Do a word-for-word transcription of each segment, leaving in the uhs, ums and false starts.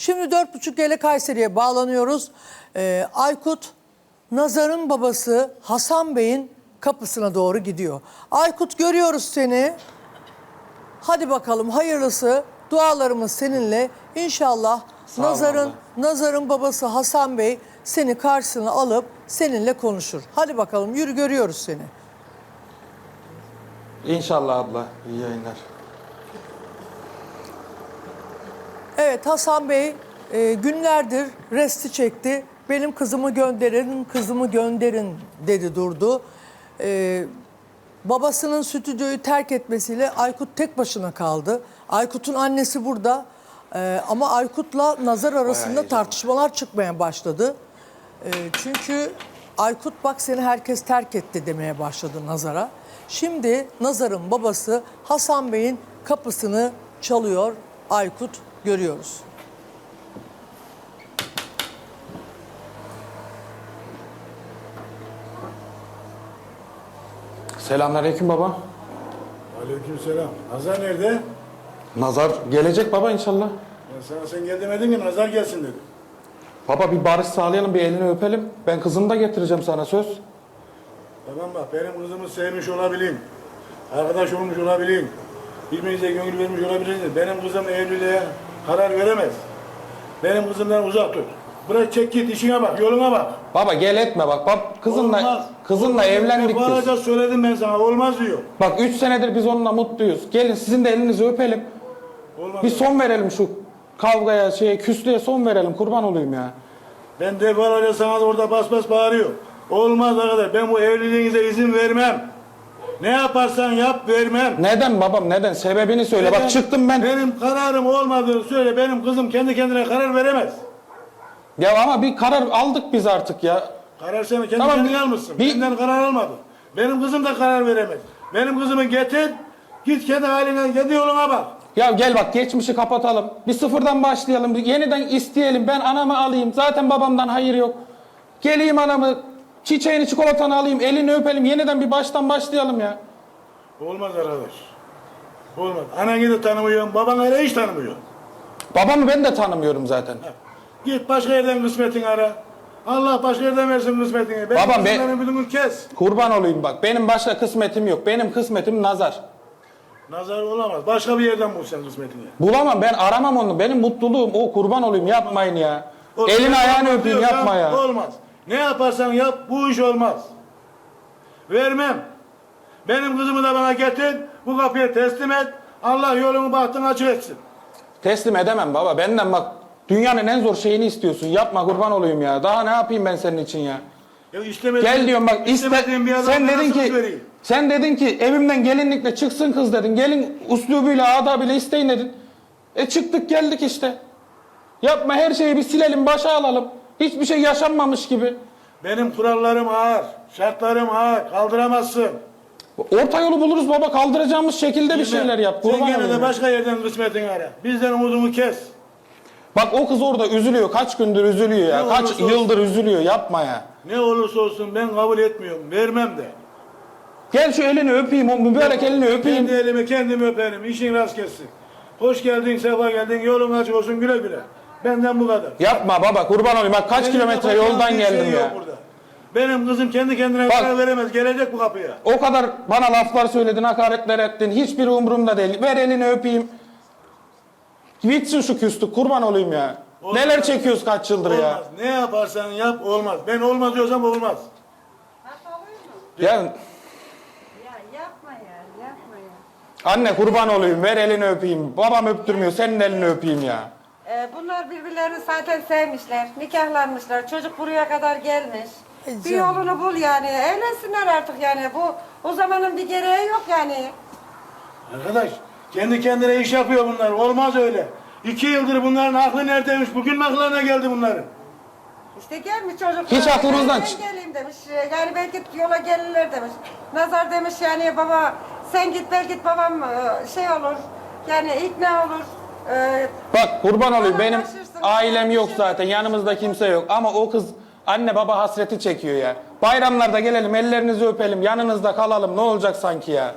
Şimdi dört buçuk ile Kayseri'ye bağlanıyoruz. Ee, Aykut, Nazar'ın babası Hasan Bey'in kapısına doğru gidiyor. Aykut, görüyoruz seni. Hadi bakalım, hayırlısı. Dualarımız seninle. İnşallah Nazar'ın Nazar'ın babası Hasan Bey seni karşısına alıp seninle konuşur. Hadi bakalım, yürü, görüyoruz seni. İnşallah abla. İyi yayınlar. Evet, Hasan Bey e, günlerdir resti çekti. Benim kızımı gönderin, kızımı gönderin dedi, durdu. E, babasının stüdyoyu terk etmesiyle Aykut tek başına kaldı. Aykut'un annesi burada. E, ama Aykut'la Nazar arasında tartışmalar çıkmaya başladı. E, çünkü Aykut, bak seni herkes terk etti demeye başladı Nazar'a. Şimdi Nazar'ın babası Hasan Bey'in kapısını çalıyor Aykut, görüyoruz. Selamünaleyküm baba. Aleykümselam. Nazar nerede? Nazar gelecek baba inşallah. Ya sana sen gel demedin ki Nazar gelsin dedi. Baba bir barış sağlayalım, bir elini öpelim. Ben kızımı da getireceğim sana, söz. Tamam bak, benim kızımı sevmiş olabilin. Arkadaş olmuş olabilin. Birbirinize gönül vermiş olabilirsiniz. Benim kızım evliliğe karar veremez. Benim kızımdan uzak dur. Bırak, çek git, işine bak, yoluna bak. Baba gel etme bak. Bak kızınla Olmaz. kızınla Olmaz. evlendik biz. Defalarca söyledim ben sana, olmaz diyor. Bak üç senedir biz onunla mutluyuz. Gelin sizin de elinizi öpelim. Olmaz. Bir son verelim şu kavgaya, şeye, küslüğe son verelim. Kurban olayım ya. Ben defalarca sana da orada bas bas bağırıyor. Olmaz arkadaş, ben bu evliliğinize izin vermem. Ne yaparsan yap, vermem. Neden babam, neden? Sebebini söyle. Neden? Bak çıktım ben. Benim kararım olmadığını söyle. Benim kızım kendi kendine karar veremez. Ya ama bir karar aldık biz artık ya. Karar sen kendi Tamam, kendine bir- almışsın. bir- Benden karar almadın. Benim kızım da karar veremez. Benim kızımı getir, git kendi haline, kendi yoluna bak. Ya gel bak, geçmişi kapatalım. Bir sıfırdan başlayalım. Bir yeniden isteyelim. Ben anamı alayım. Zaten babamdan hayır yok. Geleyim anamı, çiçeğini, çikolatanı alayım. Elini öpelim. Yeniden bir baştan başlayalım ya. Olmaz arkadaş. Olmaz. Ananı da tanımıyorum, babanı hele hiç tanımıyorum. Babamı ben de tanımıyorum zaten. Git başka yerden kısmetini ara. Allah başka yerden versin kısmetini. Benim Babam, ben- kızımların bütünü kes. Kurban olayım bak. Benim başka kısmetim yok. Benim kısmetim Nazar. Nazar olamaz. Başka bir yerden bul sen kısmetini. Bulamam, ben aramam onu. Benim mutluluğum o, kurban olayım, yapmayın ya. O Elini sen ayağını olmaz öpeyim, diyorsan yapma ya. Olmaz. Ne yaparsan yap, bu iş olmaz. Vermem. Benim kızımı da bana getir, bu kapıya teslim et. Allah yolunu bahtını açık etsin. Teslim edemem baba. Benden bak, dünyanın en zor şeyini istiyorsun. Yapma, kurban olayım ya. Daha ne yapayım ben senin için ya? Ya istemediğin, Gel diyorum bak, iste, istemediğin bir adama sen dedin nasıl ki vereyim? sen dedin ki evimden gelinlikle çıksın kız dedin. Gelin uslubuyla, adabıyla isteyin dedin. E çıktık geldik işte. Yapma, her şeyi bir silelim, başa alalım. Hiçbir şey yaşanmamış gibi. Benim kurallarım ağır, şartlarım ağır, kaldıramazsın. Orta yolu buluruz baba, kaldıracağımız şekilde bir Bilmem. şeyler yap. Sen Kurban gene olayım de ya. başka yerden kısmetini ara. Bizden umudumu kes. Bak o kız orada üzülüyor. Kaç gündür üzülüyor ya. Ne Kaç olursa olsun. yıldır üzülüyor. Yapma ya. Ne olursa olsun ben kabul etmiyorum, vermem de. Gel şu elini öpeyim. O mübarek elini öpeyim. Kendi elimi kendim öperim, işin rast kessin. Hoş geldin, sefa geldin, yolun açık olsun, güle güle. Benden bu kadar. Yapma baba, kurban olayım. Bak kaç Benim kilometre yapacağım yoldan bir geldim şey ya. yok burada. Benim kızım kendi kendine Bak. karar veremez, gelecek bu kapıya. O kadar bana laflar söyledin, hakaretler ettin. Hiçbiri umurumda değil. Ver elini öpeyim. Bitsin şu küslük, kurban olayım ya. Olmaz. Neler çekiyoruz kaç yıldır Olmaz. ya. Ne yaparsan yap olmaz. Ben olmaz diyorsam olmaz. Ya Ya yapma ya, yapma ya. anne kurban olayım, ver elini öpeyim. Babam öptürmüyor, senin elini öpeyim ya. Ee, bunlar birbirlerini zaten sevmişler, nikahlanmışlar, çocuk buraya kadar gelmiş. Ay Bir canım. yolunu bul yani, evlensinler artık yani. Bu o zamanın bir gereği yok yani. Arkadaş, kendi kendine iş yapıyor bunlar. Olmaz öyle. İki yıldır bunların aklı neredeymiş? Bugün mü aklına geldi bunların? İşte gelmiş çocuk. Hiç e, aklınızdan ben çık- geleyim demiş. E, Yani belki yola gelirler demiş. Nazar demiş yani baba sen git belki babam e, şey olur. Yani ikna olur. E, Bak kurban olayım, benim Anlaşırsın. ailem yok zaten, yanımızda kimse yok. Ama o kız anne baba hasreti çekiyor ya. Bayramlarda gelelim, ellerinizi öpelim, yanınızda kalalım, ne olacak sanki ya.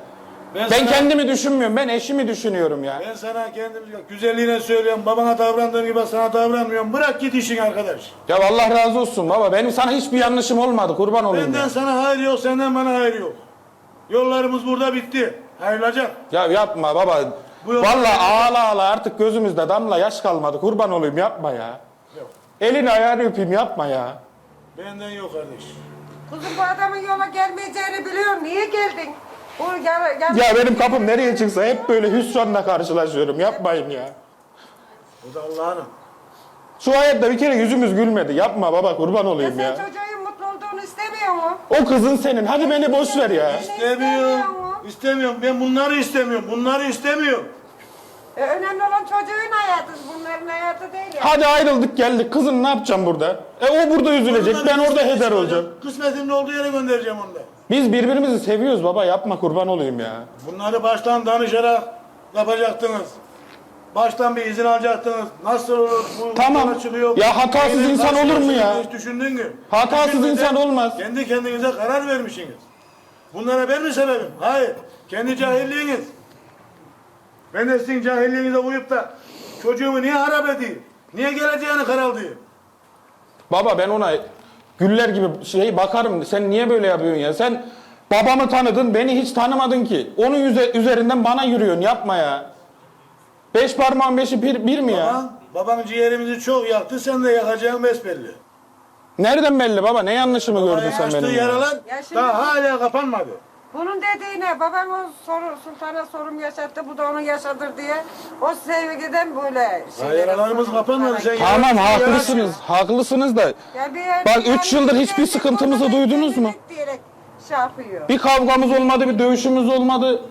Ben, sana- kendimi düşünmüyorum. Ben eşimi düşünüyorum ya. Ben sana kendim güzelliğine söylüyorum. Babana davrandığın gibi sana davranmıyorum. Bırak git işin arkadaş. Ya Allah razı olsun baba. Benim sana hiçbir yanlışım olmadı. Kurban olayım Benden ya. sana hayır yok, senden bana hayır yok. Yollarımız burada bitti. Ayrılacak. Ya yapma baba. Bu yol- Vallahi ağla ağla artık gözümüzde damla yaş kalmadı. Kurban olayım yapma ya. Yok. Elini ayağını öpeyim yapma ya. Benden yok kardeş. Kuzum bu adamın yola gelmeyeceğini biliyorum. Niye geldin? Bu gel, gel. Ya benim kapım nereye çıksa hep böyle hüsranla karşılaşıyorum. Yapmayın ya. O da Allah'ın. Şu hayatta bir kere yüzümüz gülmedi. Yapma baba kurban Ya olayım sen ya. çocuğun mutlu olduğunu istemiyor mu? O kızın senin. Hadi beni boş ver ya. İstemiyorum. İstemiyorum. Ben bunları istemiyorum. Bunları istemiyorum. E, önemli olan çocuğun hayatı. Bunların hayatı değil ya. Hadi ayrıldık geldik. Kızın ne yapacağım burada? E o burada üzülecek. Ben orada heder olacağım. Kısmetimin olduğu yere göndereceğim onu da. Biz birbirimizi seviyoruz baba. Yapma kurban olayım ya. Bunları baştan danışarak yapacaktınız. Baştan bir izin alacaktınız. Nasıl olur? Bu Tamam. yola çıkıyor. Ya hatasız Neyin insan nasıl olur mu ya? Hiç düşündün mü? Hatasız Düşünmeden insan olmaz. Kendi kendinize karar vermişsiniz. Bunlara ben mi sebebim? Hayır. Kendi cahilliğiniz. Ben de sizin cahilliğinize uyup da çocuğumu niye harap edeyim? Niye geleceğini karaldayım? Baba ben ona güller gibi şey bakarım. Sen niye böyle yapıyorsun ya? Sen babamı tanıdın, beni hiç tanımadın ki. Onun yüze- üzerinden bana yürüyorsun. Yapma ya. Beş parmağın beşi bir, bir mi ya? Baban, baban ciğerimizi çok yaktı, sen de yakacağın besbelli. Nereden belli baba? Ne yanlışımı gördün sen Açtığı benim? ya? yaralar Ya şimdi- daha hala kapanmadı. Bunun dediğine babam o soru, sultana sorum yaşattı, bu da onu yaşadır diye. O sevgiden böyle Daha şeyler. yaralarımız kapanmadı. Sen Tamam yaralar- haklısınız. Haklısınız da. Ya bir, Bak, bir- üç yıldır hiçbir bir- sıkıntımızı bir- duydunuz mu? Diyerek şey yapıyor. Bir kavgamız olmadı, bir dövüşümüz olmadı.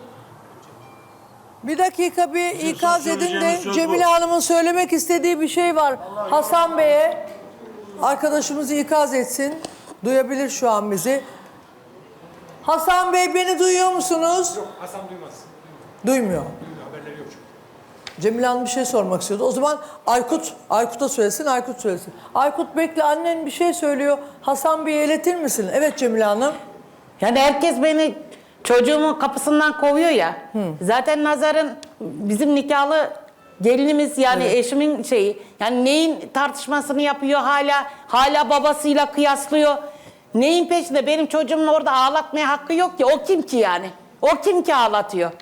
Bir dakika bir ikaz edin de söyleyeceğiniz söz Cemile bu. Hanım'ın söylemek istediği bir şey var. Hasan Bey'e arkadaşımız ikaz etsin. Duyabilir şu an bizi. Hasan Bey beni duyuyor musunuz? Yok, Hasan duymaz. Duymuyor. Haberleri yok çünkü. Cemile Hanım bir şey sormak istiyordu. O zaman Aykut, Aykut'a söylesin, Aykut söylesin. Aykut bekle, annen bir şey söylüyor. Hasan Bey'e iletir misin? Evet Cemile Hanım. Yani herkes beni çocuğumun kapısından kovuyor ya. Zaten Nazar'ın bizim nikahlı gelinimiz yani eşimin şeyi. Yani neyin tartışmasını yapıyor hala hala babasıyla kıyaslıyor. Neyin peşinde? Benim çocuğumun orada ağlatmaya hakkı yok ki. O kim ki yani? O kim ki ağlatıyor?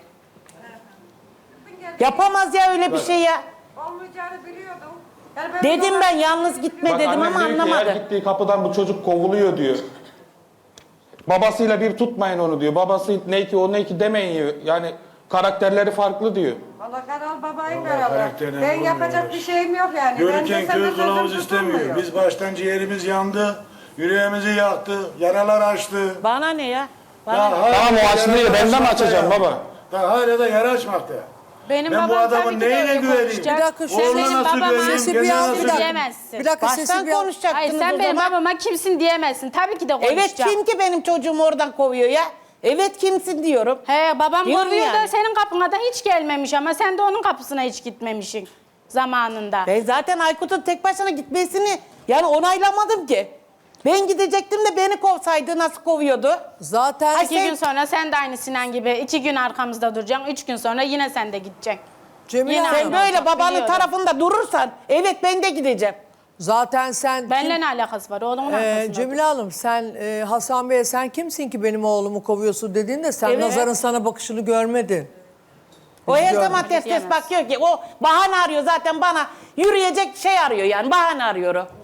Yapamaz ya öyle bir şey ya. Olmayacağını biliyordum. Yani ben Dedim ona- ben yalnız gitme Bak, dedim annem ama diyor ki, anlamadı. Her gittiği kapıdan bu çocuk kovuluyor diyor. Babasıyla bir tutmayın onu diyor. Babası ne ki o ne ki demeyin diyor. Yani karakterleri farklı diyor. Valla karal babayın Vallahi karalı. karakterine Ben vurmuyor. yapacak bir şeyim yok yani. Ben de Görürken senden köy sözüm kılavuz istemiyor. tutulmuyor. Biz baştan ciğerimiz yandı, yüreğimizi yaktı, yaralar açtı. Bana ne ya? Bana Daha ne? hala Tamam, o yara açılıyor, ben de mi açmakta açacağım ya. baba? Daha hala da yara açmakta. Benim Ben bu babam adamın tabii ki de neyine öyle güveneyim? konuşacak. Bir dakika, şu Sen Oğluna benim nasıl babama güveneyim, Sesi bir kendine an, nasıl bir kimsin dakika. diyemezsin. Bir dakika sesi Baştan bir an. konuşacaktınız Hayır sen o benim zaman. babama kimsin diyemezsin. Tabii ki de Evet konuşacağım. kim ki benim çocuğumu oradan kovuyor ya? Evet kimsin diyorum. He babam Diyorum kovuyor da yani. senin kapına da hiç gelmemiş ama sen de onun kapısına hiç gitmemişsin zamanında. Ben zaten Aykut'un tek başına gitmesini yani onaylamadım ki. Ben gidecektim de beni kovsaydı nasıl kovuyordu? Zaten İki gün sonra sen de aynı Sinan gibi iki gün arkamızda duracaksın. Üç gün sonra yine sen de gideceksin. Cemile Yine Hanım, Sen böyle olacak, babanın biliyorum. tarafında durursan evet ben de gideceğim. zaten sen Benimle kim- ne alakası var? Oğlumun Ee, arkasında. Cemile Hanım sen e, Hasan Bey'e sen kimsin ki benim oğlumu kovuyorsun dediğinde sen Evet. Nazar'ın sana bakışını görmedin. O her gördük. zaman ters ters Diyemez. bakıyor ki o bahane arıyor zaten bana yürüyecek şey arıyor yani bahane arıyor o.